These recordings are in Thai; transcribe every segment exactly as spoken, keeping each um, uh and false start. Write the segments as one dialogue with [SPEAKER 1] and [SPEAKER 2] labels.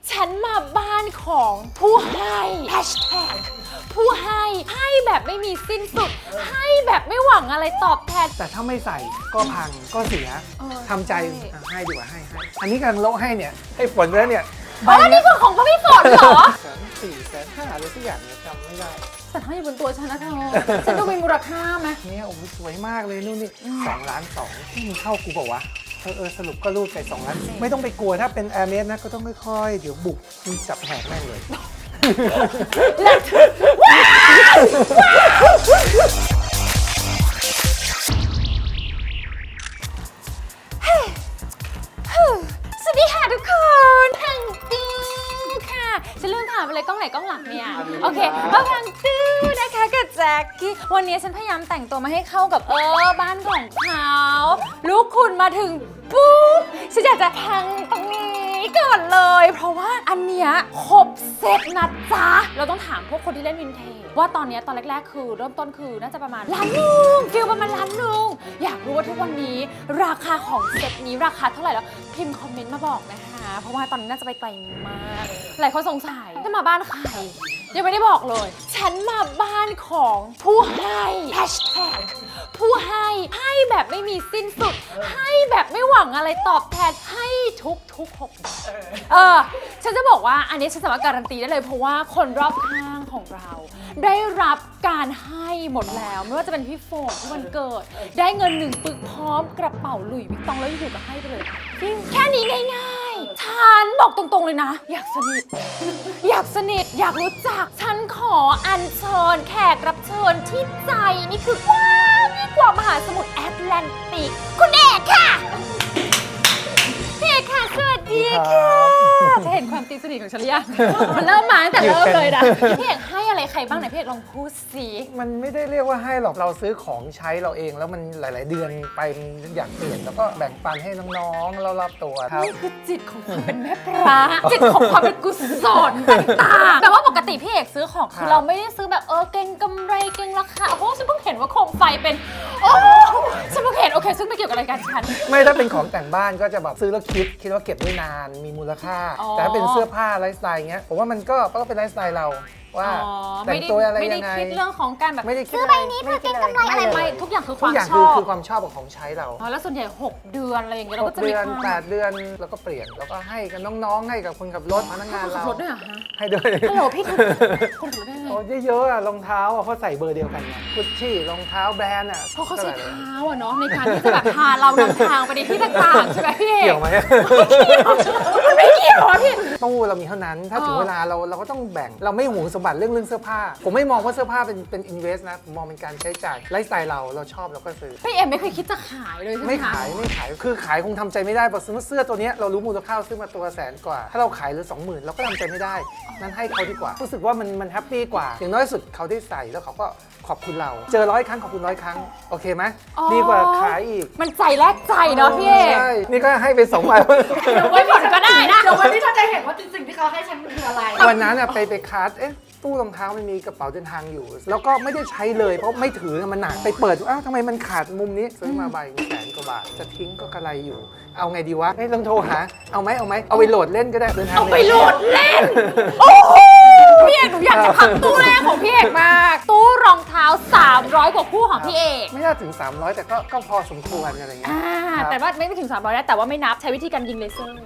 [SPEAKER 1] ฉันมาบ้านของผู้ให้แฮชแท็กผู้ให้ให้แบบไม่มีสิ้นสุดให้แบบไม่หวังอะไรตอบแทน
[SPEAKER 2] แต่ถ้าไม่ใส่ก็พังก็เสีย
[SPEAKER 1] เออ
[SPEAKER 2] ทำใจ
[SPEAKER 1] ใช่
[SPEAKER 2] อ่ะให้ดีกว่าให้ให้อันนี้กำลังโละให้เนี่ยให้ฝนแล้วเนี่ย
[SPEAKER 1] อ๋อนี่คือของพระพี่ฝนเหรอ
[SPEAKER 2] แสนสี่แสนห้าอะไรสักอย่างเนี่ยจำไม่ได้
[SPEAKER 1] แต่ถ้าอยู่บนตัวฉันนะเธอฉันดูมีมูลค่าไหม
[SPEAKER 2] เนี่ยโอ้โหสวยมากเลยนู่นนี่สองล้านสองที่มันเข้ากูบอกว่าเออเออสรุปก็รูดไปสองล้านไม่ต้องไปกลัวถ้าเป็นแอร์เมสนะก็ต้องค่อยๆเดี๋ยวบุกมึงจับแหกแม่งเลย
[SPEAKER 1] สวัสดีค่ะทุกคนพังตื้อค่ะฉันลืมถามไปเลยกล้องไหนกล้องหลังเนี่ยโอเคมาพังตื้อนะคะกับแจ็คกี้วันนี้ฉันพยายามแต่งตัวมาให้เข้ากับเออบ้านของเขาลูกคุณมาถึงปุ๊บฉันอยากจะพังตรงนี้ก่อนเลยเพราะว่าอันเนี้ยครบเซ็ตนะจ๊ะเราต้องถามพวกคนที่เล่นวินเทจว่าตอนนี้ตอนแรกๆคือเริ่มต้นคือน่าจะประมาณล้านหนึ่งฟิลประมาณล้านหนึ่งอยากรู้ว่าทุกวันนี้ราคาของเซ็ตนี้ราคาเท่าไหร่แล้วพิมพ์คอมเมนต์มาบอกนะคะเพราะว่าตอนนี้น่าจะไปไกลมากหลายคนสงสัยจะมาบ้านใครยังไม่ได้บอกเลยฉันมาบ้านของผู้ให้แฮชแท็กผู้ให้ให้แบบไม่มีสิ้นสุดให้แบบไม่หวังอะไรตอบแทนให้ทุกทุกหกเออฉันจะบอกว่าอันนี้ฉันสามารถการันตีได้เลยเพราะว่าคนรอบข้างของเรา ได้รับการให้หมดแล้วไม่ว่าจะเป็นพี่โฟนที่วันเกิดได้เงินหนึ่งปึกพร้อมกระเป๋าหลุยส์วิตตองแล้วอยู่ๆก็ให้ไปเลยแค่นี้ง่ายๆฉันบอกตรงๆเลยนะอยากสนิทอยากสนิทอยากรู้จักฉันขออัญเชิญแขกรับเชิญที่ใจนี่คือกว้างยิ่งกว่ามหาสมุทรแอตแลนติกคุณเอกค่ะพี่เอกค่ะสวัสดีค่ะจะเห็นความตีสนิทของฉันหรือยังมันเริ่มมาตั้งแต่เริ่มเลยนะพี่เอกให้อะไรใครบ้างไหนพี่เอกลองพูดสิ
[SPEAKER 2] มันไม่ได้เรียกว่าให้หรอกเราซื้อของใช้เราเองแล้วมันหลาย ๆ เดือนไปมันอยากเปลี่ยนแล้วก็แบ่งปันให้น้องๆเรารับตัวครับ
[SPEAKER 1] นี่คือจิตของความเป็นแม่พระจิตของความเป็นกุศลต่างๆแต่ว่าปกติพี่เอกซื้อของคือเราไม่ได้ซื้อแบบเออเก่งกำไรเก่งราคาเพราะว่าฉันเพิ่งเห็นว่าโคมไฟเป็นโอ้ฉันเพิ่งเห็นโอเคซึ่งไม่เกี่ยวกับรายการฉัน
[SPEAKER 2] ไม่ถ้าเป็นของแต่งบ้านก็จะแบบซื้อแล้วคิดคิดว่าเก็บได้นานมีมูลค่า
[SPEAKER 1] อ๋อ
[SPEAKER 2] แต่ถ้าเป็นเสื้อผ้าไลฟ์สไตล์เงี้ยผมว่ามันก็ก็เป็นไลฟ์สไตล์เราว่า
[SPEAKER 1] อ๋อ
[SPEAKER 2] แต่งตัวอะไร
[SPEAKER 1] ไม่ได้
[SPEAKER 2] ยังไง
[SPEAKER 1] คิดเรื่องของการแบบ
[SPEAKER 2] ไม่ได้คิด
[SPEAKER 1] ซื้อใบนี้เพื่อเก็งกำไรอะไร
[SPEAKER 2] เลย
[SPEAKER 1] ไม่ทุกอย่างคือค
[SPEAKER 2] ทุ
[SPEAKER 1] วาก ม
[SPEAKER 2] อย่าง
[SPEAKER 1] ช
[SPEAKER 2] คือ
[SPEAKER 1] อบ
[SPEAKER 2] คือความชอบกับของใช้เรา
[SPEAKER 1] อ๋อแล้วส่วนใหญ่หกเดือนอะไรอย่างเงี้ยเรา
[SPEAKER 2] ห
[SPEAKER 1] ก็
[SPEAKER 2] ก
[SPEAKER 1] จะมี
[SPEAKER 2] เดือน
[SPEAKER 1] ความ
[SPEAKER 2] แปดเดือนแล้วก็เปลี่ยนแล้วก็ให้กับน้องๆให้กับคนขับรถพนักงาน
[SPEAKER 1] ขับ
[SPEAKER 2] เรา
[SPEAKER 1] รถด้วยเหรอฮะ
[SPEAKER 2] ให้ด้วย
[SPEAKER 1] ฮัลโหลพี่ขับคนขับรถได้ไง
[SPEAKER 2] โอ้เยอะๆอะรองเท้าอะเพราะใส่เบอร์เดียวกันไงกุชชี่รองเท้าแบรนด์อะ
[SPEAKER 1] เพราะเขาใช้เท้าอะเนาะในการที่จะแบบพาเรานำทางไปในที่ต่างๆใช่ไหมพี่เอก
[SPEAKER 2] เกี่ยวไหม
[SPEAKER 1] มันไม่เกี่ยวอะพี่
[SPEAKER 2] ตู้เรามีเท่านั้นถ้าถึง
[SPEAKER 1] อ๋อ
[SPEAKER 2] เวลาเราเราก็ต้องแบ่งเราไม่หวงสมบัติเรื่องเรื่องเสื้อผ้าผมไม่มองว่าเสื้อผ้าเป็นเป็นอินเวสต์นะผมมองเป็นการใช้จ่ายไลฟ์สไตล์เราเราชอบเราก็ซื้อ
[SPEAKER 1] พี่เอ็มไม่เคยคิดจะขายเลยใช่ไหม
[SPEAKER 2] ไม่
[SPEAKER 1] คะ
[SPEAKER 2] ขายไม่ขายคือขายคงทำใจไม่ได้เพราะสมมติเสื้อตัวเนี้ยเรารู้มูลค่าซื้อมาตัวแสนกว่า ถ้าเราขายเหลือสองหมื่นเราก็ทำใจไม่ได้นั้นให้เขาดีกว่ารู้สึกว่ามันมันแฮปปี้กว่าอย่างน้อยสุดเขาได้ใส่แล้วเขาก็ขอบคุณเรา เจอร้อยครั้งขอบคุณร้อยครั้งโอเคไหมดีกว่าขายอีก
[SPEAKER 1] มันใจแลกใจเนาะพี่เอก
[SPEAKER 2] ใช่นี่ก็ให้ไปสองใบ
[SPEAKER 1] เดี๋ยวไว้ผลก็ได้นะ
[SPEAKER 3] เดี๋ยววันนี้เธอจะเห็นว่าจริงๆที่เขาให้ฉันมันคืออะไร
[SPEAKER 2] วันนั้นอะไปไปคัสเอ๊ะตู้รองเท้ามันมีกระเป๋าเดินทางอยู่ แล้วก็ไม่ได้ใช้เลยเพราะไม่ถือมันหนักไปเปิดดูอ้าวทำไมมันขาดมุมนี้ซื้อมาใบแสนกว่าบาทจะทิ้งก็กระไรอยู่ เอาไงดีวะไม่ลองโทรหาเอาไหมเอาไหมเอาไปโหลดเล่นก็ได้เดินทาง
[SPEAKER 1] เอาไปโหลดเล่น โอ้โหพี่เอกหนูอยากจะพักตู้แรกของพี่เอกมาก ตู้รองเท้าสามร้อยกว่าคู่ของพี่เอก
[SPEAKER 2] ไม่น่าถึงสามร้อยแต่ก็ก็พอสมควรอะไรเงี้ย
[SPEAKER 1] อ่า
[SPEAKER 2] ครับ
[SPEAKER 1] แต่ว่าไม่ถึงสามร้อยนะแต่ว่าไม่นับใช้วิธีการยิงเลเซอร์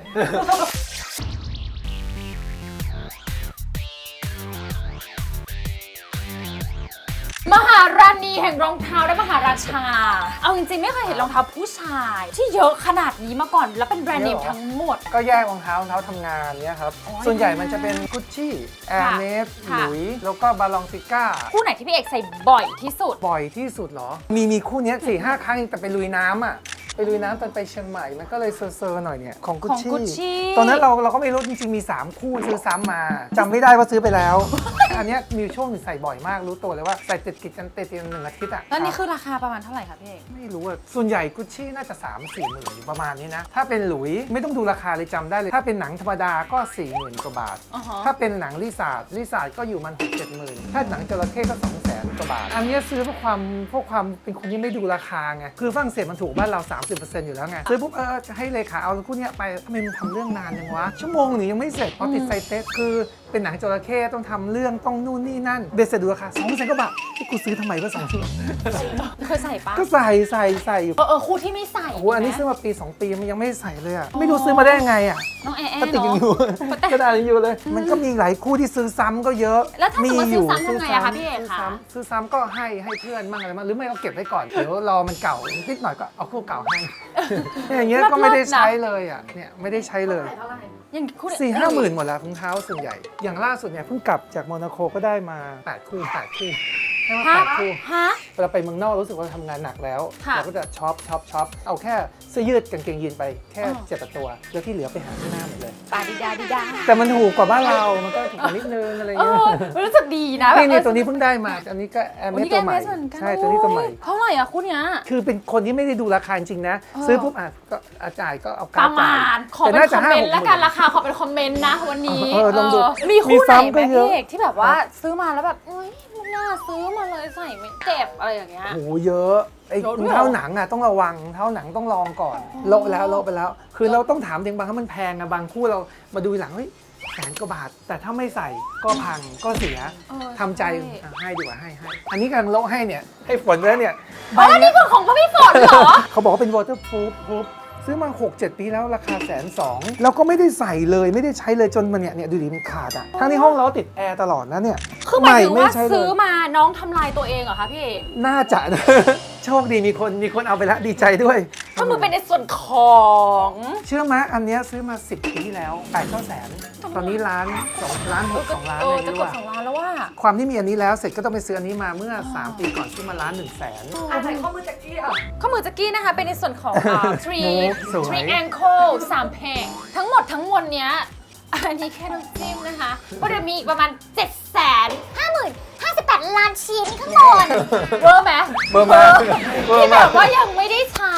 [SPEAKER 1] มหาราณีแห่งรองเท้าและมหาราชา เอาจริงๆไม่เคยเห็นรองเท้าผู้ชาย ที่เยอะขนาดนี้มาก่อน แล้วเป็นแบรนด์เนมทั้งหมด
[SPEAKER 2] ก็แยกรองเท้ารองเท้าทำงานเนี้ยครับ
[SPEAKER 1] อ๋อ
[SPEAKER 2] ส่วนใหญ่มันจะเป็นกุชชี่แอร์เมสห
[SPEAKER 1] ค่ะ
[SPEAKER 2] ลุยแล้วก็บาลองซิก้า
[SPEAKER 1] คู่ไหนที่พี่เอกใส่บ่อยที่สุด
[SPEAKER 2] บ่อยที่สุดเหรอ มีมีคู่เนี้ยสี่ห้าครั้งแต่ไปลุยน้ำอ่ะ ไปลุยน้ำตอนไปเชียงใหม่ มันก็เลยเซอร์ๆหน่อยเนี่ย ของกุช
[SPEAKER 1] ของ
[SPEAKER 2] ชี่
[SPEAKER 1] Gucci
[SPEAKER 2] ตอนนั้นเราเราก็ไม่รู้จริงๆมี สาม คู่ซื้อซ้ำมาจำไม่ได้ว่าซื้อไปแล้ว อันเนี้ยมีช่วงหนึ่งใส่บ่อยมากรู้ตัวเลยว่าใส่ติดกิดกันติดกันหนึ่งอาทิตย์อ่ะ
[SPEAKER 1] แล้วนี่คือราคาประมาณเท่าไหร่คะพี่เอก
[SPEAKER 2] ไม่รู้อ่ะส่วนใหญ่กุชชี่น่าจะ สามสี่หมื่นประมาณนี้นะ ถ้าเป็นหลุยไม่ต้องดูราคาเลยจำได้เลย ถ้าเป็นหนังธรรมดาก็สี่หมื่นกว่าบาท
[SPEAKER 1] อ๋อฮะ
[SPEAKER 2] ถ้าเป็นหนังลิซ่าลิซ่าก็อยู่มันหกเจ็ดหมื่นถ้าหนังจระเข้ก็สองแสนกว่าบาท อันเนี้ยซื้อเพราะความเพราะความเป็นคนที่ไม่ดูราคาไง คือฝรั่งเศสมันถูกบ้านเรา สามสิบเปอร์เซ็นต์ อยู่แล้วไงซื้อปุ๊บเออจะให้เลขาเอาคู่เนี้ยไปทำไมมันทำเรื่องนานยังวะชั่วโมงหนึ่งยังไม่เสร็จเพราะติดไซเตสคือเป็นหนังจระเข้ต้องทำเรื่องต้องนู่นนี่นั่นเบสเสร็จดูราคาสองแสนกว่าบาทที่กูซื้อทำไมก็สองชั่วโมง
[SPEAKER 1] เคยใส่ปะ
[SPEAKER 2] ก็ใส่ใส่ใส่อยู่
[SPEAKER 1] เออเออคู่ที่ไม่ใส่
[SPEAKER 2] โอ้โหอันนี้ซื้อมาปีสองปีมันยังไม่ใส่เลยอะไม่รู้ซื้อมาได้ยังไงอะ
[SPEAKER 1] น้องแอร์แอ
[SPEAKER 2] ก็
[SPEAKER 1] ร์
[SPEAKER 2] ติดยัง
[SPEAKER 1] เนาะ
[SPEAKER 2] อยู่
[SPEAKER 1] แต่
[SPEAKER 2] กระดาษยังอยู่เลย มันก็มีหลายคู่ที่ซื้อซ้ำก็เยอะ
[SPEAKER 1] แล้วถ้าสมมติ
[SPEAKER 2] ยู่
[SPEAKER 1] ซื้อซ้ำทำไงอะคะพี่เอก
[SPEAKER 2] ซื้อ
[SPEAKER 1] คะ
[SPEAKER 2] ซ้ำซื้อซ้ำก็ให้ให้เพื่อนบ้างอะไรบ้างหรือไม่ก็เก็บไว้ก่อนเดี๋ยวรอมันเก่านิดหน่อยก็เอาคู่เก่าให้เนี่ยอย่างเงี้ยก็ไม่ได้ใช้เลยอะเนี่ยไม่ได้ใช้เลย
[SPEAKER 3] เท่าไหร่
[SPEAKER 1] ยังคู่
[SPEAKER 2] สี่ห้าหมื่นหมดแล้วรองเท้าส่วนใหญ่ อย่างล่าสุดเนี่ยเพิ่งกลับจากโมนาโคก็ได้มาแปดคู่แปดคู่ได้มา
[SPEAKER 1] ฮะ
[SPEAKER 2] แปดคู่
[SPEAKER 1] ฮะ
[SPEAKER 2] เวลาไปเมืองนอกรู้สึกว่าทำงานหนักแล้ว
[SPEAKER 1] ค่ะ
[SPEAKER 2] เราก็จะช็อปช็อปช็อปเอาแค่เสื้อยืดกางเกงยีนไปแค่
[SPEAKER 1] อ๋อ
[SPEAKER 2] เจ็ดแปดตัว แล้วที่เหลือไปหาที่หน้าหมดเลย
[SPEAKER 1] ปาดิดาดิดา
[SPEAKER 2] แต่มันถูกกว่าบ้านเรา มันก็ถูกกว่านิดนึงอะไร
[SPEAKER 1] เอ
[SPEAKER 2] เงี้ย
[SPEAKER 1] อรู้สึกดีนะแบบ
[SPEAKER 2] นี่เนี่ย
[SPEAKER 1] เออ
[SPEAKER 2] ตัวนี้เพิ่งได้มา อันนี้ก็แอร์
[SPEAKER 1] โอ้
[SPEAKER 2] เมส
[SPEAKER 1] นี่
[SPEAKER 2] ตัวใหม่
[SPEAKER 1] แอร์เมสเหมือนกัน
[SPEAKER 2] ใช่ตัวนี้ตัวใหม่
[SPEAKER 1] เท่าไหร่อะคู่เนี้ย
[SPEAKER 2] คือเป็นคนที่ไม่ได้ดูราคาจริงๆนะ
[SPEAKER 1] เออ
[SPEAKER 2] ซื้อปุ๊บอ่ะก็อาจ่ายก็เอา
[SPEAKER 1] ป
[SPEAKER 2] การ
[SPEAKER 1] ระ
[SPEAKER 2] จ่า
[SPEAKER 1] มาย ณขอ
[SPEAKER 2] แต่
[SPEAKER 1] เป็น
[SPEAKER 2] น่า
[SPEAKER 1] ค
[SPEAKER 2] จะ
[SPEAKER 1] อม
[SPEAKER 2] ห้า
[SPEAKER 1] เม
[SPEAKER 2] ห
[SPEAKER 1] น
[SPEAKER 2] ก
[SPEAKER 1] ต์
[SPEAKER 2] ห
[SPEAKER 1] แล้ว
[SPEAKER 2] มื่
[SPEAKER 1] กัน
[SPEAKER 2] น
[SPEAKER 1] ราคาขอเป็นคอมเมนต์นะวันนี้
[SPEAKER 2] เออลองดู
[SPEAKER 1] เออมีคู่ไหน
[SPEAKER 2] มีซ้ำ
[SPEAKER 1] ไห
[SPEAKER 2] ก็
[SPEAKER 1] ม
[SPEAKER 2] เยอะ
[SPEAKER 1] พี่เอกที่แบบว่าซื้อมาแล้วแบบอุ้ยไม่น่าซื้อมาเลยใส่ไม่เจ็บอะไรอย่างเงี้ย
[SPEAKER 2] โอ้โหเยอะไอ้
[SPEAKER 1] เยอะด้
[SPEAKER 2] ร
[SPEAKER 1] วย
[SPEAKER 2] อง
[SPEAKER 1] เหรอ
[SPEAKER 2] เท้าหนังอ่ะต้องระวังรองเท้าหนังต้องลองก่อนโละแล้วโละไปแล้ว คือเราต้องถามจริงบางครั้งมันแพงอะบางคู่เรามาดูหลังเฮ้ยแสนกว่าบาท แต่ถ้าไม่ใส่ก็พังก็เสีย
[SPEAKER 1] เออ
[SPEAKER 2] ทำใจ
[SPEAKER 1] ช่
[SPEAKER 2] อ่ะให้ดีกว่าให้ให้อันนี้กำลังโละให้เนี่ยให้ฝนไว้แล้วเนี่ยใบ
[SPEAKER 1] อ๋อนี่
[SPEAKER 2] เนี้ย
[SPEAKER 1] คือของพี่ฝนเหรอ
[SPEAKER 2] เขาบอกว่าเป็น waterproof proof ซื้อมา หกเจ็ด ปีแล้วราคาแสนสองแล้วก็ไม่ได้ใส่เลยไม่ได้ใช้เลยจนมันเนี่ยเนี่ยดูดิมันขาดอ่ะทั้งที่ห้องเราติดแอร์ตลอดนะเนี่ย
[SPEAKER 1] คือหมายถึงว่า
[SPEAKER 2] ใช้เลย
[SPEAKER 1] ซื้อมาน้องทำลายตัวเองเหรอคะพี่เอก
[SPEAKER 2] น่าจะนะ โชคดีมีคนมีคนเอาไปแล้วดีใจด้วย
[SPEAKER 1] ก็มือเป็นในส่วนของ
[SPEAKER 2] เชื่อไหมอันเนี้ยซื้อมา สิบ ปีที่แล้วแปดเก้าแสนตอนนี้ล้านสองล้านหกสองล้าน
[SPEAKER 1] เอ
[SPEAKER 2] เล
[SPEAKER 1] อย จะ
[SPEAKER 2] ไม่
[SPEAKER 1] เก
[SPEAKER 2] รู้
[SPEAKER 1] ด
[SPEAKER 2] อะ
[SPEAKER 1] สองล้านแล้วว่า
[SPEAKER 2] ความที่มีอันนี้แล้วเสร็จก็ต้องไปซื้ออันนี้มาเมื่อ สาม ปีก่อนซื้อมาล้านหนึ่งแสน
[SPEAKER 3] อ่ะใส่ข้อมือแจ็คกี้อ่ะ
[SPEAKER 1] ข้อมือจักกี้นะคะเป็นในส่วนของอ่า three
[SPEAKER 2] มุกสวย
[SPEAKER 1] three ankle สามเพลงทั้งหมดทั้งมวลเนี้ยอันนี้แค่น้ำจิ้มนะคะก็จะมีอีกประมาณ7 5 0 0 0 5 8 ล้านชิ้นข้างบนเวอร์ไหม
[SPEAKER 2] เบอร์มาเบอ
[SPEAKER 1] ที่
[SPEAKER 2] ร์
[SPEAKER 1] แบ
[SPEAKER 2] มา
[SPEAKER 1] บว่ายังไม่ได้ใช้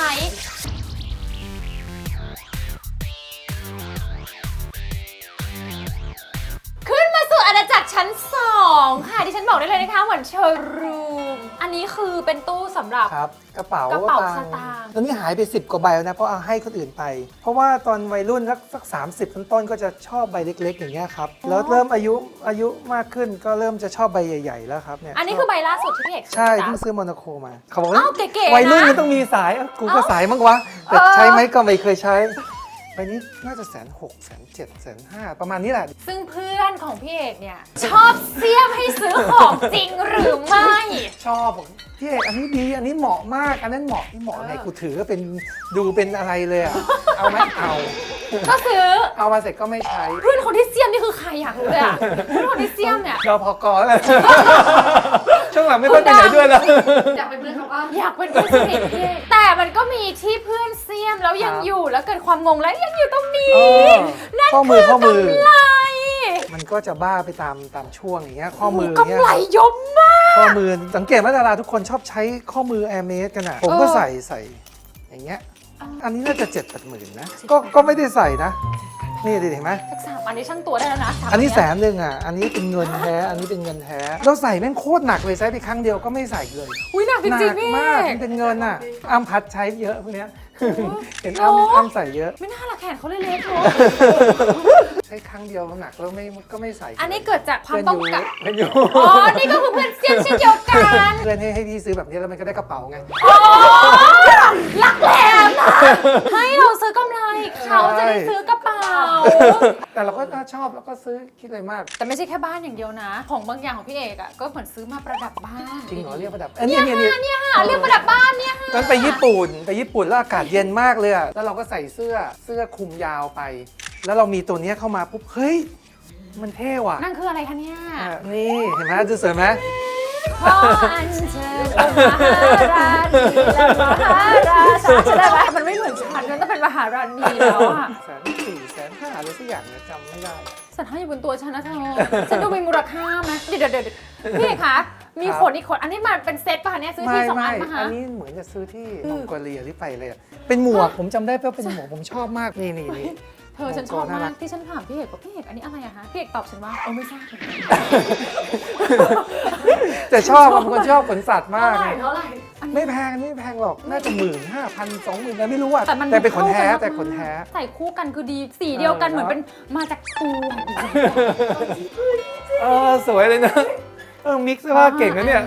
[SPEAKER 1] ขึ้นมาสู่อาณาจักรชั้นสองค่ะที่ฉันบอกได้เลยนะคะเหมือนโชว์รูมอันนี้คือเป็นตู้สำหรับ
[SPEAKER 2] ครับกระเป๋าก
[SPEAKER 1] ระเป๋า
[SPEAKER 2] ตัง
[SPEAKER 1] ส
[SPEAKER 2] ค์
[SPEAKER 1] ตางค์
[SPEAKER 2] ตอนนี้หายไป สิบ กว่าใบแล้วนะเพราะเอาให้คนอื่นไป เพราะว่าตอนวัยรุ่นสักสักสามสิบต้นๆก็จะชอบใบเล็ก ๆ อย่างเงี้ยครับแล้วเริ่มอายุอายุมากขึ้นก็เริ่มจะชอบใบใหญ่ ๆ แล้วครับเนี่ย
[SPEAKER 1] อันนี้คือใบล่าสุดที่พี่เอก
[SPEAKER 2] ใช่
[SPEAKER 1] จ้ะ
[SPEAKER 2] เพิ่งซื้อโมนาโคมาเขาบอกว่า
[SPEAKER 1] อ้าวเก๋ๆ
[SPEAKER 2] วัยรุ่น
[SPEAKER 1] นะ
[SPEAKER 2] มันต้องมีสายเอ้ากูก็
[SPEAKER 1] เอ้า
[SPEAKER 2] สายมั้งวะแต่
[SPEAKER 1] เออ
[SPEAKER 2] ใช้ไหมก็ไม่เคยใช้ใบนี้น่าจะแสนหกแสนเจ็ดแสนห้าประมาณนี้แหละ
[SPEAKER 1] ซึ่งเพื่อนของพี่เอกเนี่ย ชอบเสี้ยมให้ซื้อของจริงหรือไม่
[SPEAKER 2] ชอบบอกพี่เอกอันนี้ดีอันนี้เหมาะมากอันนั้นเหมาะที่เหมาะไงกูถือก็เป็นดูเป็นอะไรเลยอะเอาไหมเอา
[SPEAKER 1] ก็ซื้อ
[SPEAKER 2] เอามาเสร็จก็ไม่ใช้
[SPEAKER 1] เพื่อนคนที่เสี้ยมนี่คือใครอยากรู้เลยอะเพื่อนคนที่เสี้ยมเนี่ย
[SPEAKER 2] รอพอกอแล้ว ช่วงหลังไม่ค่อยไปไหนด้วยแล้ว
[SPEAKER 3] อยากเป็นเพื่อนเขาว่า
[SPEAKER 1] อยากเป็นเพื่อนสนิทพี่เอกแต่มันก็มีที่เพื่อนเสี้ยมแล้วยัง
[SPEAKER 2] ครับ
[SPEAKER 1] อยู่แล้วเกิดความงงแล้วยังอยู่ตรงนี้
[SPEAKER 2] เออ
[SPEAKER 1] นั่น
[SPEAKER 2] ข้อมื
[SPEAKER 1] คือ อ
[SPEAKER 2] ข้อมือ
[SPEAKER 1] กำไร
[SPEAKER 2] มันก็จะบ้าไปตามตามช่วงอย่างเงี้ยข้อมืออย่างเงี้
[SPEAKER 1] กำ
[SPEAKER 2] ย
[SPEAKER 1] ไรยมมาก
[SPEAKER 2] ข้อมือสังเกตว่าดาราทุกคนชอบใช้ข้อมือแอร์เมสกันอ่ะผมก็
[SPEAKER 1] เออ
[SPEAKER 2] ใส่ใส่อย่างเงี้ยอันนี้น่าจะเจ็ดแปดหมื่นนะก็ก็ไม่ได้ใส่นะ นี่ดิเห็นไหม
[SPEAKER 1] สักสามอันนี้ช่างตัวได้แล้วนะสาม
[SPEAKER 2] อันนี้
[SPEAKER 1] เย
[SPEAKER 2] แสนหนึ่งอ่ะอันนี้เป็นเงินแท้อันนี้เป็นเงินแท้เราใส่แม่งโคตรหนักเลยใช้ไปครั้งเดียวก็ไม่ใส่เลย
[SPEAKER 1] อุ้ยหนักจ
[SPEAKER 2] หนั
[SPEAKER 1] ริง
[SPEAKER 2] ก
[SPEAKER 1] ๆพี่
[SPEAKER 2] มาก
[SPEAKER 1] เอก
[SPEAKER 2] มันเป็นเงินอ่ะอ้ำพัดใช้เยอะพวกเนี้ยเห็น
[SPEAKER 1] โอ้
[SPEAKER 2] อ้ำอ้ำใส่เยอะ
[SPEAKER 1] ไม่น่าละแขนเขาเลยเล็กเลย
[SPEAKER 2] ใช้ครั้งเดียวหนักแล้วไม่ก็ไม่ใส่
[SPEAKER 1] อันนี้เกิดจากความต้องการ
[SPEAKER 2] เพื่อนอยู่
[SPEAKER 1] อ๋อ นี่ก็คือเพื่อนเสี้ยนเช่นเดียวกัน
[SPEAKER 2] เพื่อนให้ให้พี่ซื้อแบบนี้แล้วมันก็ได้กระเป๋าไง
[SPEAKER 1] อ๋อลักแหลมนะให้เราซื้อกำไรเขาจะได้ซื้อกระเป๋า
[SPEAKER 2] แต่เราก็ชอบแล้วก็ซื้อคิดอะไรมาก
[SPEAKER 1] แต่ไม่ใช่แค่บ้านอย่างเดียวนะ ของบางอย่างของพี่เอกอ่ะก็เหมือนซื้อมาประดับบ้าน
[SPEAKER 2] จริงเหรอเรียกประดับเอ้ย
[SPEAKER 1] เนี่
[SPEAKER 2] เนี่ย
[SPEAKER 1] ย
[SPEAKER 2] เนี่ย
[SPEAKER 1] ค่ะ
[SPEAKER 2] เนี่ย
[SPEAKER 1] เนี่ยค่ะเรียกประดับบ้านเนี่ยค่ะ
[SPEAKER 2] ตอนไปญี่ปุ่นไปญี่ปุ่นแล้วอากาศเย็นมากเลยอะแล้วเราก็ใส่เสื้อเสื้อคลุมยาวไป แล้วเรามีตัวเนี้ยเข้ามาปุ๊บเฮ้ยมันเท่ว่ะ
[SPEAKER 1] นั่นคืออะไรคะเนี่ย
[SPEAKER 2] อ่ะนี่เห็นไหมจะสวยไหม
[SPEAKER 1] ขออัญเชิญองค์มหาราณีและมหาราชาใช่ไหมมันไม่เหมือนฉันมันต้องเป็นมหาราณีแล้วอะ
[SPEAKER 2] แสนสี่แสนห้าอะไรสักอย่างเนี่ยจำไม่ได้
[SPEAKER 1] สันห้าอยู่บนตัวฉันนะเธอ ฉันดูมีมูลค่าไหมเดี๋ยวเดี๋ยวเดี๋ยวพี่เอกคะมี
[SPEAKER 2] ครับ
[SPEAKER 1] ขนอีกขนอันนี้มันเป็นเซตป่ะคะเนี่ยซื้อ
[SPEAKER 2] ไม่
[SPEAKER 1] ที่สอง
[SPEAKER 2] ไม่
[SPEAKER 1] อันป่ะ
[SPEAKER 2] อั
[SPEAKER 1] คะ
[SPEAKER 2] นนี้เหมือนจะซื้อที่มองโกเลียหรือไปเลยอะเป็นหมวกผมจำได้ว่าเป็นหมวกผมชอบมากนี่นี่นี่
[SPEAKER 1] เธอฉันชอบ
[SPEAKER 2] น่ารั
[SPEAKER 1] มาก กที่ฉันถามพี่เอกว่าพี่เอกอันนี้อะไรอะคะพี่เอกตอบฉันว่าเออไม่ทราบเหมือนกัน
[SPEAKER 2] แต่ชอบผมคนชอบขนสัตว์มาก
[SPEAKER 3] เท่าไหร่เท่าไหร่
[SPEAKER 1] อัน
[SPEAKER 2] ไม่แพงอันนี้ไม่แพงหรอกน่าจะหมื่นห้าพันสองหมื่นไม่รู้อ่ะ
[SPEAKER 1] แต่มัน
[SPEAKER 2] แต่เป็นขนแท้
[SPEAKER 1] เข้ากันมาก
[SPEAKER 2] แต่ขนแท้
[SPEAKER 1] ใส่คู่กันคือดีสีเดียวกัน
[SPEAKER 2] เออ
[SPEAKER 1] เหมือนเป็นมาจากตัว
[SPEAKER 2] เออสวยเลยนะเออมิกซ์เสื้อผ้าเก่งนะเนี่ย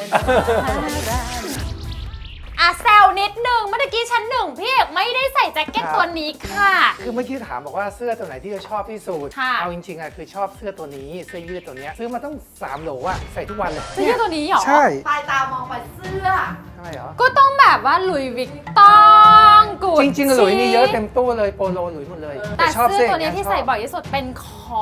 [SPEAKER 1] อ่ะแซวนิดนึงเมื่อกี้ชั้นหนึ่งพี่เอกไม่ได้ใส่แจ็คเก็ต
[SPEAKER 2] ครับ
[SPEAKER 1] ตัวนี้ค่ะ
[SPEAKER 2] คือเมื่อกี้ถามบอกว่าเสื้อตัวไหนที่จะชอบที่สุด
[SPEAKER 1] ค่ะ
[SPEAKER 2] เอาจริงๆอ่ะคือชอบเสื้อตัวนี้เสื้อยืดตัวเนี้ยซื้อมาต้องสามโหลอ่ะใส่ทุกวันเลย
[SPEAKER 1] เสื้อตัวนี้เหรอ
[SPEAKER 2] ใช่
[SPEAKER 3] ปลายตามองไปเสื้อ
[SPEAKER 2] ทำไมเหรอ
[SPEAKER 1] ก็ต้องแบบว่าหลุยส์วิกตองกูด
[SPEAKER 2] จริงๆหลุยนี่เยอะเต็มตู้เลยโปโลหลุยหมดเลย
[SPEAKER 1] แต่
[SPEAKER 2] ชอบ
[SPEAKER 1] เสื้อตัว
[SPEAKER 2] ย่าง
[SPEAKER 1] นี้
[SPEAKER 2] งี้ย
[SPEAKER 1] ที่
[SPEAKER 2] ชอบ
[SPEAKER 1] ใส่บ่อยที่สุดเป็นของ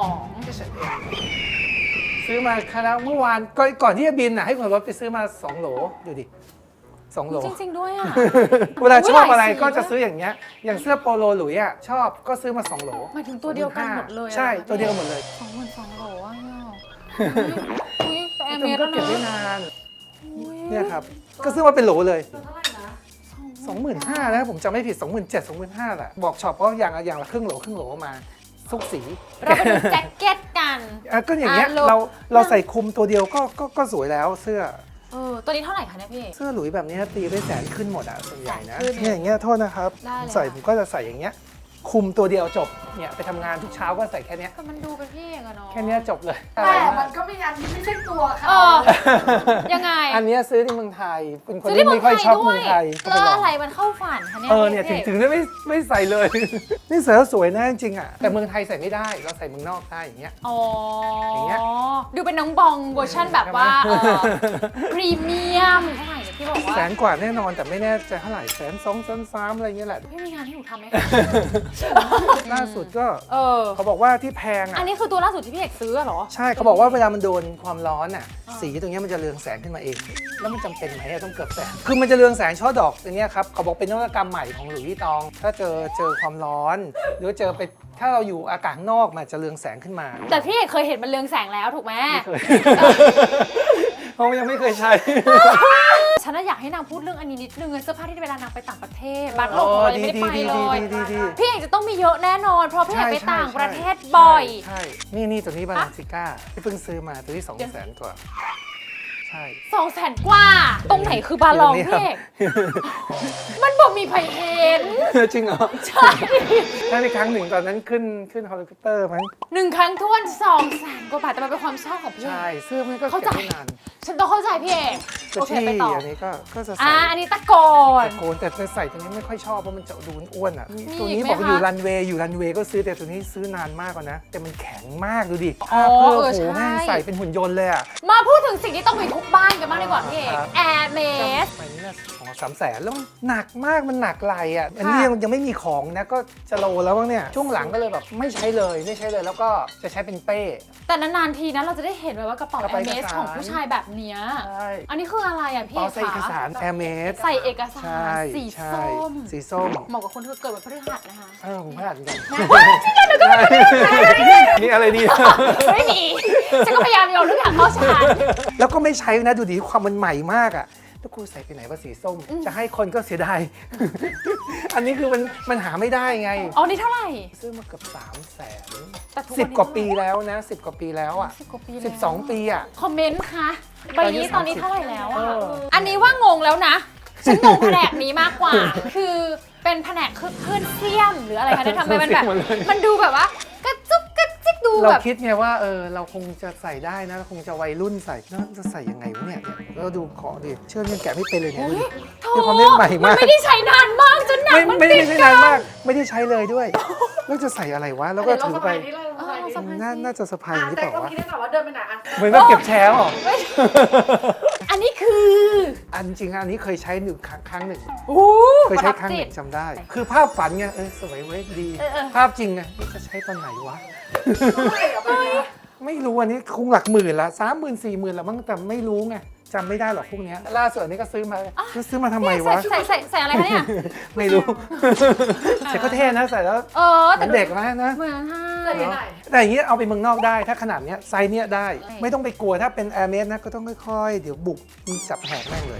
[SPEAKER 2] ซื้อมาคณะเมื่อวานก่อนก่อนที่จะบินอ่ะให้คนรถไปซื้อมาสองโหลดูดิสองโหล
[SPEAKER 1] จริง ๆ ด้วยอ่ะ
[SPEAKER 2] เวลาชอบอะไร
[SPEAKER 1] หลายสี
[SPEAKER 2] ก็จะซื้ออย่างเงี้ยอย่างเสื้อโปโลหลุยอ่ะชอบก็ซื้อมาสองโหล
[SPEAKER 1] หมายถึงตัวเดียวกันหมดเลยอะ
[SPEAKER 2] ใช่ตัวเดียวกันหมดเลย
[SPEAKER 1] สองหมื่นสองโหลอ่ะอุ้ยแต่แอร์เม
[SPEAKER 2] แต่
[SPEAKER 1] ส
[SPEAKER 2] มัน
[SPEAKER 1] แล้วนะ
[SPEAKER 2] ก็เก็บได้นาน
[SPEAKER 1] อุ๊ย
[SPEAKER 2] เนี่ยครับก็ซื้อมาเป็นโหลเลย
[SPEAKER 3] ตัวเท่าไหร่นะ
[SPEAKER 2] สองหมื่นห้านะผมจำไม่ผิด สองหมื่นเจ็ด สองหมื่นห้าแหละบอกช็อปเพราะอย่างละอย่างละครึ่งโหลครึ่งโหลมาทุกสี
[SPEAKER 1] เราไปดูแจ็คเก็ตกัน
[SPEAKER 2] อ่ะก็อย่างเงี้ย
[SPEAKER 1] อ่ะโหล
[SPEAKER 2] เราเราใส่คลุมตัวเดียวก็ก็ก็สวยแล้วเสื้อ
[SPEAKER 1] เออตัวนี้เท่าไหร่คะเนี่ยพี่
[SPEAKER 2] เสื้อหลุยแบบนี้ตีได้แสนขึ้นหมดอ่ะส่วนใหญ่นะ
[SPEAKER 1] แสนขึ้น
[SPEAKER 2] เนี่ยอย่างเงี้ยโทษนะครับ
[SPEAKER 1] ได้เลย
[SPEAKER 2] ใส่
[SPEAKER 1] ค่ะ
[SPEAKER 2] ผมก็จะใส่อย่างเงี้ยคุมตัวเดียวจบเนี่ยไปทำงานทุกเช้าก็ใส่แค่เนี้ย
[SPEAKER 1] ก็มันดูเป็นพี่เอกอะเนาะ
[SPEAKER 2] แค่เนี้ยจบเลย
[SPEAKER 3] แต่มันก็มีอันที่ไม่ใช่ตัว
[SPEAKER 1] เอ
[SPEAKER 3] เขา
[SPEAKER 1] อ ยังไง
[SPEAKER 2] อันเนี้ยซื้อที่เมืองไทยเป็นคน
[SPEAKER 1] ซื้อ
[SPEAKER 2] ที่
[SPEAKER 1] ที่เมื
[SPEAKER 2] ไม่
[SPEAKER 1] อง
[SPEAKER 2] ค่อย
[SPEAKER 1] ไทย
[SPEAKER 2] ชอบ
[SPEAKER 1] ด้
[SPEAKER 2] เมื
[SPEAKER 1] ว
[SPEAKER 2] อย งไทยก็
[SPEAKER 1] แล้
[SPEAKER 2] ไป
[SPEAKER 1] ว
[SPEAKER 2] ลอง
[SPEAKER 1] อะไรมันเข้าฝันคะเนี่ย
[SPEAKER 2] เออเนี่ยถึง
[SPEAKER 1] พี่
[SPEAKER 2] ถึงได้ไม่ไม่ใส่เลย นี่ใส่แล้วสวยนะจริงๆอ่ะแต่เมืองไทยใส่ไม่ได้เราใส่เมืองนอกได้อย่างเงี้ย
[SPEAKER 1] อ๋ออย่าง
[SPEAKER 2] เงี้ย
[SPEAKER 1] ดูเป็นน้องบองเวอร์ชันแบบว่า
[SPEAKER 2] ใช่ไหม
[SPEAKER 1] เออพรีเมียมเท่าไหร่เนี่ยพี่บอกว่า
[SPEAKER 2] แสนกว่าแน่นอนแต่ไม่แน่ใจเท่าไหร่แสนสองแสนสามอะไรเงี้ยแหละ
[SPEAKER 1] พี่มีงานให้หนูทำไหมคะ
[SPEAKER 2] ล่าสุดก็
[SPEAKER 1] เออ
[SPEAKER 2] เขาบอกว่าที่แพง
[SPEAKER 1] อั
[SPEAKER 2] อ่ะ
[SPEAKER 1] นนี้คือตัวล่าสุดที่พี่เอกซื้ออะเหรอ
[SPEAKER 2] ใช่เขาบอกว่าเวลามันโดนความร้อนอ่ะ
[SPEAKER 1] อ่า
[SPEAKER 2] สีตรงเนี้ยมันจะเรืองแสงขึ้นมาเอง แล้วมันจำเป็นไหมอะต้องเกือบแสงคือมันจะเรืองแสงช่อดอกตรงเนี้ยครับเขาบอกเป็นนวัตกรรมใหม่ของหลุยส์วิตตอง ถ้าเจอเจอความร้อน หรือว่าเจอไปถ้าเราอยู่อากาศข้างนอกมันจะเรืองแสงขึ้นมา
[SPEAKER 1] แต่พี่เอกเคยเห็นมันเรืองแสงแล้วถูกไหม
[SPEAKER 2] ไม่เคย เพราะยังไม่เคยใช้
[SPEAKER 1] ฉันน่ะอยากให้นางพูดเรื่องอันนี้นิดนึงเสื้อผ้าที่เวลานางไปต่างประเทศบัตรหล
[SPEAKER 2] อ๋
[SPEAKER 1] บ
[SPEAKER 2] อ
[SPEAKER 1] อะไร
[SPEAKER 2] ดี
[SPEAKER 1] ไม่ได้
[SPEAKER 2] ดี
[SPEAKER 1] ไป
[SPEAKER 2] ดี
[SPEAKER 1] เล
[SPEAKER 2] ดี
[SPEAKER 1] ย
[SPEAKER 2] ดีดี
[SPEAKER 1] พี่เอกจะต้องมีเยอะแน่นอน เพราะพี่เอกไปต่างประเทศ
[SPEAKER 2] ใช่
[SPEAKER 1] บ่อย
[SPEAKER 2] ใช่นี่นี่ตัวนี้บาลานซิก้าที่เพิ่งซื้อมาตัวที่สองแสนกว่าใช่
[SPEAKER 1] สองแสนกว่า ตรงไหนคือบาลองพี่เอกมันบอกมีไผเห็น
[SPEAKER 2] จริงเหรอ
[SPEAKER 1] ใช่
[SPEAKER 2] ใช่ในครั้งหนึ่งตอนนั้นขึ้นขึ้นเฮลิคอปเตอร์มั้ง
[SPEAKER 1] หนึ่งครั้งท้วนสองแสนกว่าบาทแต่มันเป็นความชอบของพี่เอ
[SPEAKER 2] ใช่
[SPEAKER 1] ก
[SPEAKER 2] เสื้อมันก็
[SPEAKER 1] เข้า
[SPEAKER 2] เก็บ
[SPEAKER 1] ใจ
[SPEAKER 2] ได้นาน
[SPEAKER 1] ฉันต้องเข้าใจพี่เอก
[SPEAKER 2] ตัว
[SPEAKER 1] โอเค
[SPEAKER 2] ที่
[SPEAKER 1] ไปต่อ
[SPEAKER 2] อันนี้ก็ก็จะ
[SPEAKER 1] อ่า
[SPEAKER 2] ใส่
[SPEAKER 1] อันนี้ตะโกน
[SPEAKER 2] ตะโกนแต่จะใส่ตัวนี้ไม่ค่อยชอบเพราะมันจะดูอ้วนอ่ะ
[SPEAKER 1] มี
[SPEAKER 2] ตัว
[SPEAKER 1] อี
[SPEAKER 2] นี้
[SPEAKER 1] กไหม
[SPEAKER 2] บอกอยู่
[SPEAKER 1] คะ
[SPEAKER 2] รันเวย์อยู่รันเวย์ก็ซื้อแต่ตัวนี้ซื้อนานมากกว่านะ แต่มันแข็งมากดูดิ
[SPEAKER 1] อ๋อ
[SPEAKER 2] ผ้าเพื่อ
[SPEAKER 1] เออ
[SPEAKER 2] โอ้โห
[SPEAKER 1] ใช่
[SPEAKER 2] แม่งใส่เป็นหุ่นยนต์เลยอ่ะ
[SPEAKER 1] มาพูดถึงสิ่งที่ต้องมีทุกบ้านกันบ้างดีกว่าพี่เอก
[SPEAKER 2] ครับ
[SPEAKER 1] แอร์เมส
[SPEAKER 2] ไปนี่น่าสองสามแสนแล้วมันหนักมากมันหนักไหลอ่ะอันนี้
[SPEAKER 1] ค่ะ
[SPEAKER 2] ยังยังไม่มีของนะก็จะโลแล้วบ้างเนี่ยช่วงหลังก็เลยแบบไม่ใช้เลยไม่ใช้เลยแล้วก็จะใช้เป็นเป้
[SPEAKER 1] แต่นานๆทีนะเราจะได้เห็นแบบว่ากระเป๋าก
[SPEAKER 2] ระ
[SPEAKER 1] แอ
[SPEAKER 2] เป๋า
[SPEAKER 1] ร์เมส
[SPEAKER 2] เอกสาร
[SPEAKER 1] ของผู้ชายแบบเนี้ย
[SPEAKER 2] ใช่
[SPEAKER 1] อันนี้คืออะไรอ่ะพี่
[SPEAKER 2] อ๋
[SPEAKER 1] เอ
[SPEAKER 2] อก ใส่เอกสารแอร์เมส
[SPEAKER 1] ใส่เอกสา
[SPEAKER 2] ใช่
[SPEAKER 1] รสี
[SPEAKER 2] ใช่
[SPEAKER 1] ส้ม
[SPEAKER 2] สีส้ม
[SPEAKER 1] เหมาะกับคนที่เกิดวันพฤหัสนะคะ
[SPEAKER 2] เออผมพลาดเหมือนกันนี่อะไรดี
[SPEAKER 1] ไม่มีฉันก็พยายามโยนทุกอย่างเข้าชาน
[SPEAKER 2] แล้วก็ไม่ใช้นะดูดิความมันใหม่มากอ่ะแล้วกูใส่ไปไหนว่าสีส้ม จะให้คนก็เสียดาย อันนี้คือมันมันหาไม่ได้ไง
[SPEAKER 1] อ๋อนี่เท่าไหร่
[SPEAKER 2] ซื้อมาเกือบสามแสน
[SPEAKER 1] แต่ทุ
[SPEAKER 2] สิบ
[SPEAKER 1] นนี้
[SPEAKER 2] กว่าปีแล้วนะสิบกว่าปีแล้วอ่ะ
[SPEAKER 1] สิบกว่าปีแล้ว
[SPEAKER 2] สิบสองปีอ่ะ
[SPEAKER 1] คอมเมนต์คะใบนี้ต
[SPEAKER 2] ต
[SPEAKER 1] อ
[SPEAKER 2] อน นนี้
[SPEAKER 1] นี้เท่าไหร่แล้วอ่ะ
[SPEAKER 2] เออ
[SPEAKER 1] อันนี้ว่างงแล้วนะ ฉันงงแผนกนี้มากกว่า คือเป็นแผนกคือเคลื่อนเสี้ยมหรืออะไรคะเนี่ยทำไมมันแบบ มันดูแบบว่ากระจุกกระจิกดู
[SPEAKER 2] เรา
[SPEAKER 1] แบบ
[SPEAKER 2] คิดไงว่าเออเราคงจะใส่ได้นะเราคงจะวัยรุ่นใส่แล้วจะใส่ยังไงวะเนี่ยเนี่ยแล้วดูของดิเชื่อยังแกะไม่เป็นเลยเนี่ย
[SPEAKER 1] โอ้
[SPEAKER 2] ดู
[SPEAKER 1] ย
[SPEAKER 2] ดิ
[SPEAKER 1] โถ
[SPEAKER 2] มีความเล่นใหม่มาก
[SPEAKER 1] นไม่ได้ใช้นานมากจนหนัง
[SPEAKER 2] ไม่
[SPEAKER 1] มัน
[SPEAKER 2] ไม่
[SPEAKER 1] ติ
[SPEAKER 2] ไม่
[SPEAKER 1] ด
[SPEAKER 2] ใช่
[SPEAKER 1] กัน
[SPEAKER 2] านมาก ไม่ได้ใช้เลยด้วย แล้วจะใส่อะไรวะ แล้วก็
[SPEAKER 3] เดี๋ยวเรา
[SPEAKER 2] ถือ
[SPEAKER 3] สะ
[SPEAKER 2] ไป
[SPEAKER 3] พายนี่เลยสะพายนี่
[SPEAKER 1] สะพาย
[SPEAKER 2] น่าน่าจะสะพายอย่างนี้
[SPEAKER 3] แต่
[SPEAKER 2] เปล่า
[SPEAKER 3] ก็
[SPEAKER 2] วะ
[SPEAKER 3] คิดได้ก่อนว่าเดินไปไหนอ่ะ
[SPEAKER 2] เหมือนแบบเก็บแชร์หรอ
[SPEAKER 1] อันนี้คือ
[SPEAKER 2] อันจริงๆอันนี้เคยใช้หนึ่งครั้งครั้งหนึ่ง
[SPEAKER 1] โอ้
[SPEAKER 2] เคย
[SPEAKER 1] ประ
[SPEAKER 2] ใช้
[SPEAKER 1] ทับ
[SPEAKER 2] ครั้งห
[SPEAKER 1] จิ
[SPEAKER 2] นึ่
[SPEAKER 1] ต
[SPEAKER 2] งจำได้ คือภาพฝันไงเออสวยเว้ยดี
[SPEAKER 1] เออเออ
[SPEAKER 2] ภาพจริงไงจะใช้ตอนไหนวะ
[SPEAKER 3] เท่าไหร่อ่ะไปเนี่ย
[SPEAKER 2] ไม่รู้อันนี้คงหลักหมื่นละสามหมื่นสี่หมื่นละมั้งแต่ไม่รู้ไงจำไม่ได้หรอกพวกเนี้ยล่าสุดอันนี้ก็ซื้อมาซื้อซื้อมาทำไม
[SPEAKER 1] ใส่
[SPEAKER 2] วะ
[SPEAKER 1] ใส่ใส่ใส่อะไรคะเนี่ย
[SPEAKER 2] ไม่รู้แต่ก็เท่นะใส่แล้ว
[SPEAKER 1] เออ
[SPEAKER 2] เห
[SPEAKER 1] แต่
[SPEAKER 2] มือนเด็กมากนะ
[SPEAKER 1] เหมือนค่ะ
[SPEAKER 3] ใส่ที่ไหน
[SPEAKER 2] แต่อย่างนี้เอาไปเมืองนอกได้ถ้าขนาดเนี้ยไซส์เนี้ยได้
[SPEAKER 1] ใช่
[SPEAKER 2] ไม่ต้องไปกลัวถ้าเป็นแอร์เมสนะก็ต้องค่อยๆ เดี๋ยวบุกมีจับแหกแม่งเลย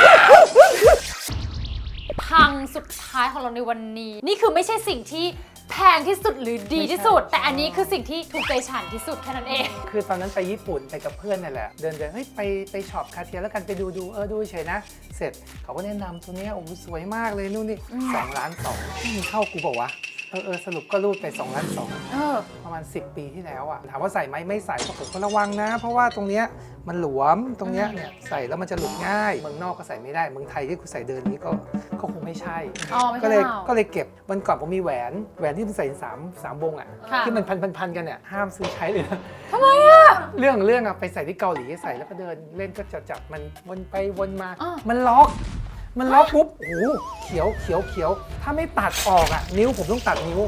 [SPEAKER 1] พังสุดท้ายของเราในวันนี้ นี่คือไม่ใช่สิ่งที่แพงที่สุดหรือดีที่สุด แต่อันนี้คือสิ่งที่ถูกใจฉันที่สุดแค่นั้นเอง
[SPEAKER 2] คือตอนนั้นไปญี่ปุ่นไปกับเพื่อนนั่นแหละ เดินเดินเฮ้ยไปไปช็อปคาเทียแล้วกันไปดูดูเออดูเฉยนะ เสร็จเขาก็แนะนำตัวเนี้ยโอ้โหสวยมากเลยนู่นนี่สองล้านสองมึงเข้ากูบอกว่าเออเออสรุปก็รูดไปสองล้านสอง
[SPEAKER 1] เออ
[SPEAKER 2] ประมาณสิบปีที่แล้วอะถามว่าใส่ไหมไม่ใส่ก็ผมก็ระวังนะ เพราะว่าตรงเนี้ยมันหลวมตรงเนี้ยเนี่ยใส่แล้วมันจะหลุดง่ายเมืองนอกก็ใส่ไม่ได้เมืองไทยที่กูใส่เดินนี้ก็ก็คงไม่ใช่
[SPEAKER 1] อ๋อไม่ใช่
[SPEAKER 2] ก็เลย
[SPEAKER 1] เรา
[SPEAKER 2] ก็เลยเก็บวันก่อนผมมีแหวนแหวนที่มันใส่สามสามวงอะ
[SPEAKER 1] ค่ะ
[SPEAKER 2] ที่มันพันพันพันกันเนี่ยห้ามซื้อใช้เลยนะ
[SPEAKER 1] ทำไมอ่ะ
[SPEAKER 2] เรื่องของเรื่องอะไปใส่ที่เกาหลีใส่แล้วก็เดินเล่นก็จะจับมันวนไปวนมา
[SPEAKER 1] อ้าว
[SPEAKER 2] มันล็อก มันล็อกปุ๊บโอ้โหเขียวเขียวเขียวถ้าไม่ตัดออกอะนิ้วผมต้องตัดนิ้ว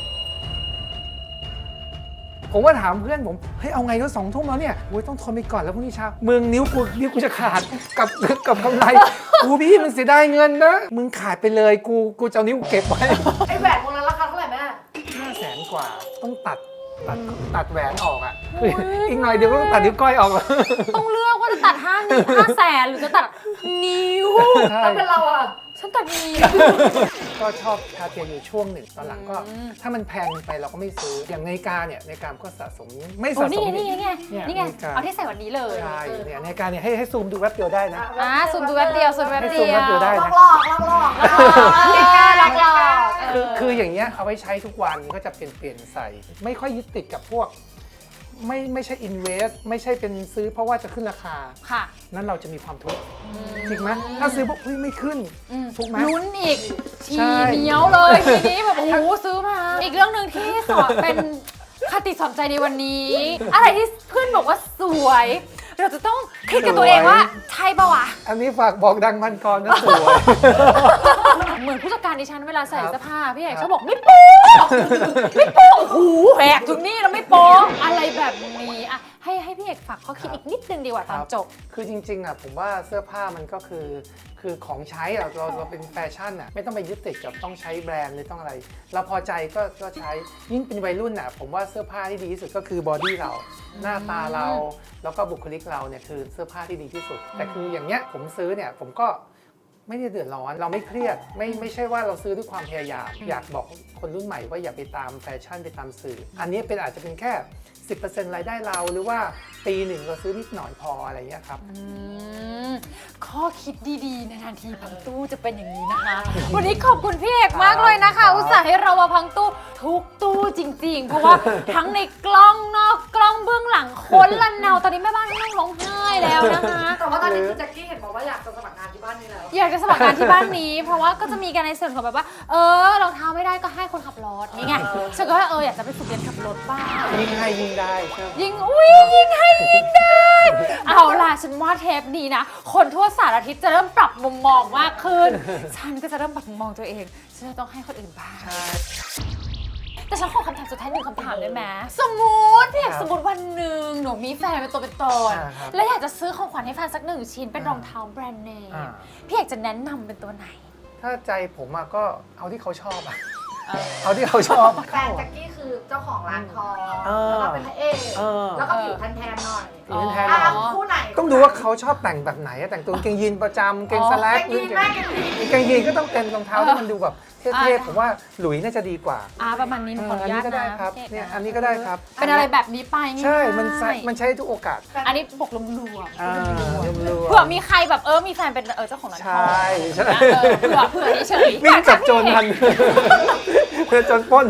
[SPEAKER 2] ผมว่าถามเพื่อนผมเฮ้ยเอาไงก็สองทุ่มแล้วเนี่ยโอ้ยต้องทนไปก่อนแล้วพรุ่งนี้เช้ามึงนิ้วกูนิ้วกูจะขาดกับกับกำไรกูพี่มันเสียดายเงินนะมึงขาดไปเลยกูกูจะเอานิ้วเก็บไว้
[SPEAKER 3] ไอ้แหวนวงนั้นราคาเท่าไหร่แม่
[SPEAKER 2] ห้าแสนกว่าต้องตัดตัดตัดแหวนออกอ่ะคืออีกหน่อยเดี๋ยวก็ต้องตัดนิ้วก้อยออกแล้ว
[SPEAKER 1] ต้องเลือกว่าจะตัดห้านิ้วห้าแสนหรือจะตัดนิ้ว
[SPEAKER 2] ใช่
[SPEAKER 3] ถ้าเป็นเราอ่ะ
[SPEAKER 1] ฉันตัดนิ้ว
[SPEAKER 2] ก็ชอบคาเทียอยู่ช่วงหนึ่งตอนหลังก็
[SPEAKER 1] อืม
[SPEAKER 2] ถ้ามันแพงไปเราก็ไม่ซื้ออย่างนาฬิกาเนี่ยนาฬิกาก็สะสมไม่
[SPEAKER 1] โอ้
[SPEAKER 2] สะส
[SPEAKER 1] นี่
[SPEAKER 2] ม
[SPEAKER 1] ไงนี่ไงนี่ไง
[SPEAKER 2] เนี่ย
[SPEAKER 1] นี่ไง
[SPEAKER 2] นาฬิกา
[SPEAKER 1] เอาที่ใส่วันนี้เลย
[SPEAKER 2] ใช่เนี่ยนาฬิกาเนี่ยให้ให้ซูมดูแป๊บเดียวได้นะ
[SPEAKER 1] อ่าซูมดูแป๊บเดียวซูมแป๊บ
[SPEAKER 2] ให้
[SPEAKER 1] เดี
[SPEAKER 2] ซูม
[SPEAKER 1] ยว
[SPEAKER 2] แป๊บเดียวได้
[SPEAKER 3] ลอกลอกลอกลอก
[SPEAKER 1] หลอกหลอก
[SPEAKER 2] คือคืออย่างเงี้ยเอาไว้ใช้ทุกวันก็จะเปลี่ยนเปลี่ยนใส่ ไม่ค่อยยึดติดกับพวก ไม่ไม่ใช่ invest ไม่ใช่เป็นซื้อเพราะว่าจะขึ้นราคา
[SPEAKER 1] ค่ะ
[SPEAKER 2] นั้นเราจะมีความทุกข์จริงไหมถ้าซื้อปุ๊บเฮ้ยไม่ขึ้น
[SPEAKER 1] อืม
[SPEAKER 2] ถูกไหม
[SPEAKER 1] ลุ้นอีกชี
[SPEAKER 2] ใช่
[SPEAKER 1] เหนียวเลยทีนี้แบบโอ้โหซื้อมา อีกเรื่องหนึ่งที่สอนเป็นคติสอนใจในวันนี้ อะไรที่เพื่อนบอกว่าสวย เราจะต้องคิดกับตัวเองว่าใช่ปะวะ
[SPEAKER 2] อันนี้ฝากบอกดังพันกรนะสวย
[SPEAKER 1] เหมือนผู้จัดการดิฉันเวลาใส่
[SPEAKER 2] ครับ
[SPEAKER 1] เสื้อผ้าพี่เอก
[SPEAKER 2] ครับ
[SPEAKER 1] ชอบบอกไม่โป๊ะไม่โป๊ะโอ้โหแหกถึงนี่แล้วไม่โป๊ะอะไรแบบนี้อะให้ให้พี่เอกฝากข้อคิดอีกนิดนึงดีกว่าตอนจบ
[SPEAKER 2] คือจริงๆอ่ะผมว่าเสื้อผ้ามันก็คือคือของใช้อ่ะเราเราเป็นแฟชั่นอ่ะไม่ต้องไปยึดติดกับต้องใช้แบรนด์หรือต้องอะไร เราพอใจก็ก็ใช้ยิ่งเป็นวัยรุ่นอ่ะผมว่าเสื้อผ้าที่ดีที่สุดก็คือบอดี้เรา หน้าตาเราแล้วก็บุคลิกเราเนี่ยคือเสื้อผ้าที่ดีที่สุด แต่คืออย่างเงี้ยผมซื้อเนี่ยผมก็ไม่ได้เดือดร้อนเราไม่เครียดไม่ไม่ใช่ว่าเราซื้อด้วยความพยายามอยากบอกคนรุ่นใหม่ว่าอย่าไปตามแฟชั่นไปตามสื่อ อันนี้เป็นอาจจะเป็นแค่ สิบเปอร์เซ็นต์ รายได้เราหรือว่าปีหนึ่งเราซื้อนิดหน่อยพออะไรเงี้ยครับ
[SPEAKER 1] อืมข้อคิดดีๆในทันทีพังตู้จะเป็นอย่างนี้นะคะ วันนี้ขอบคุณพี่เอกมากเลยนะคะ
[SPEAKER 2] ครับ
[SPEAKER 1] อุตส่าห์ให้เรามาพังตู้ทุกตู้จริงๆ เพราะว่าทั้งในกล้องนอกกล้องเบื้องหลังคนละเนาตอนนี้แม่บ้านนั่งร้องไห้แล้วนะคะ
[SPEAKER 3] แต่ว่าตอนนี้คือแจ็คกี้เห็นบอกว่าอยากจะสมัครงานที่บ้านนี้แล้ว
[SPEAKER 1] อยากจะสมัครงานที่บ้านนี้ เพราะว่าก็จะมีการในส่วนของแบบว่า เออรองเท้าไม่ได้ก็ให้คนขับรถนี่ไงฉันก็ว่าเอออยากจะไปฝึกเรียนขับรถบ้าง
[SPEAKER 2] ยิ่งให้ยิ่งได้ใช่ไหม
[SPEAKER 1] ยิงอุ้ยยิงให้ยิงได้ เอาล่ะฉันว่าเทปนี้นะ คนทั่วสารทิศจะเริ่มปรับมุมมองมากขึ้น ฉันก็จะเริ่มปรับมุมมองตัวเองฉันจะต้องให้คนอื่นบ้าง
[SPEAKER 2] ใช่
[SPEAKER 1] แต่ฉันขอคำถามสุดท้ายหนึ่งคำถามได้ไหมสมมติพี่อยาก
[SPEAKER 2] ครับ
[SPEAKER 1] สมมติวันหนึ่งหนูมีแฟนเป็นตัวเป็นตน
[SPEAKER 2] อ่าครับ
[SPEAKER 1] แล้วอยากจะซื้อของขวัญให้แฟนสักหนึ่งชิ้นเป็นรองเท้าแบรนด์เนม
[SPEAKER 2] อ่า
[SPEAKER 1] พี่อยากจะแนะนำเป็นตัวไหน
[SPEAKER 2] ถ้าใจผมอะก็เอาที่เขาชอบอะ
[SPEAKER 1] เออ
[SPEAKER 2] เอาที่เขาชอบ
[SPEAKER 3] แฟนแจ็คกี้คือเจ้าของร้านทอง
[SPEAKER 2] เออ
[SPEAKER 3] แล้วก็เป็นพระเอก
[SPEAKER 2] เออ
[SPEAKER 3] แล้วก็ผิวแทนๆหน่อย
[SPEAKER 2] ผิวแทน
[SPEAKER 3] อ่ะ
[SPEAKER 2] หน่อย
[SPEAKER 3] คู่ไหน
[SPEAKER 2] ต้องดูว่าเขาชอบแต่งแบบไหนอะแต่งตัวกางเกงยีนประจำกางเกงสแล
[SPEAKER 3] แจ็
[SPEAKER 2] ก
[SPEAKER 3] คกี้แม่กันดี
[SPEAKER 2] กางเกงยีนก็ต้องเป็นรองเท้าที่มันดูแบบเท่
[SPEAKER 1] อ่า
[SPEAKER 2] ๆผมว่าหลุยน่าจะดีกว่า
[SPEAKER 1] อ่าประมาณนี้หนูขออนุ
[SPEAKER 2] อัน
[SPEAKER 1] ญา
[SPEAKER 2] นี้
[SPEAKER 1] ต
[SPEAKER 2] ก็ได้
[SPEAKER 1] นะครับ พี่
[SPEAKER 2] เนี่ย
[SPEAKER 1] กะ
[SPEAKER 2] อันนี้ก็ได้ครับ
[SPEAKER 1] เป็นอะไรแบบนี้ไปง่ายๆ
[SPEAKER 2] ใช่มันใช้มันใช้ทุกโอกาส
[SPEAKER 1] อันนี้ปกลมรวม
[SPEAKER 2] อ่ารวมๆ
[SPEAKER 1] เผื่อมีใครแบบเออมีแฟนเป็นเออเจ้าของร้านท
[SPEAKER 2] ใช่
[SPEAKER 1] อง
[SPEAKER 2] ใช่
[SPEAKER 1] เออเผื่อเผื่อเฉยๆ
[SPEAKER 2] วิ่งจับโจรทันเพื่อโจรปล้น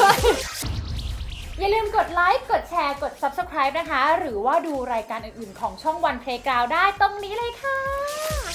[SPEAKER 1] อย่าลืมกดไลค์ กดแชร์ กด ซับสไครบ์ นะคะ หรือว่าดูรายการอื่นๆของช่องวัน Playground ได้ตรงนี้เลยค่ะ